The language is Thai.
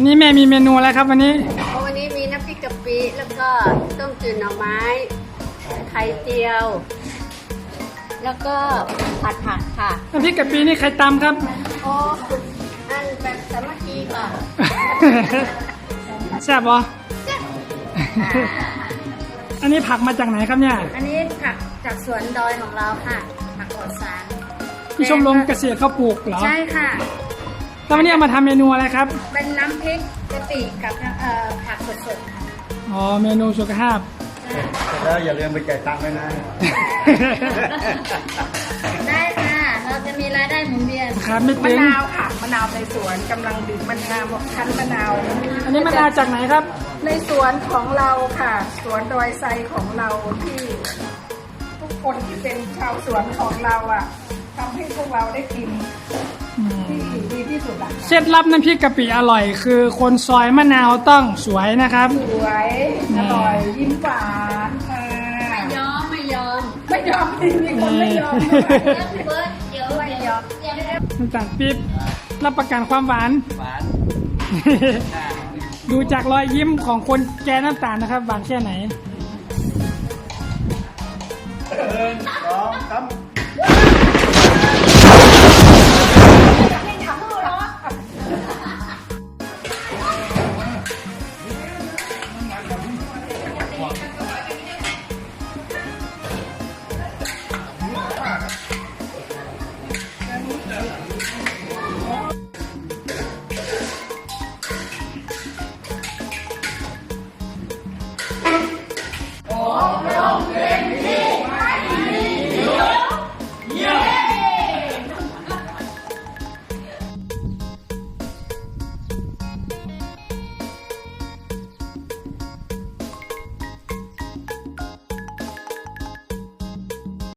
นี้แม่มีเมนูอะไรครับวันนี้วันนี้มีน้ำพริกกะปิแล้วก็ต้มจืดหน่อไม้ไข่เจียว แล้วก็ผัดผักค่ะน้ำพริกกะปินี่ใครตำครับโอ้อันแบบสามัคคีค่ะแซ่บปะอันนี้ผักมาจากไหนครับเนี่ยอันนี้ผักจากสวนดอยของเราค่ะผักปลอดสารที่ชมรมเกษตรเขาปลูกเหรอใช่ค่ะแล้ววันนี้เอามาทำเมนูอะไรครับเป็นน้ำพริกกะปิกับผักสดๆค่ะอ๋อเมนูสุขภาพแล้วอย่าลืมไปจ่ายตังค์ด้วยนะได้ค่ะเราจะมีรายได้หมุนเวียนครับไม่มะตึงนาวค่ะมะนาวในสวนกำลังดื่มมะนาวคั้นมะนาวอันนี้มะนาวจากไหนครับในสวนของเราค่ะสวนดอยไซของเราที่ทุกคนที่เป็นชาวสวนของเราอ่ะทำให้พวกเราได้กินที่ดีที่สุดอ่ะเคล็ดลับน้ำพริกกะปิอร่อยคือคนซอยมะนาวต้องสวยนะครับสวยอร่อยยิ้มหวานค่ะไม่ยอมจริงมีคนไม่ยอมเบิร์ดเดี๋ยวไม่ยอมน้ำตาลปี๊บรับประกันความหวานดูจากรอยยิ้มของคนแกน้ำตาลนะครับหวานแค่ไหน 1 2 3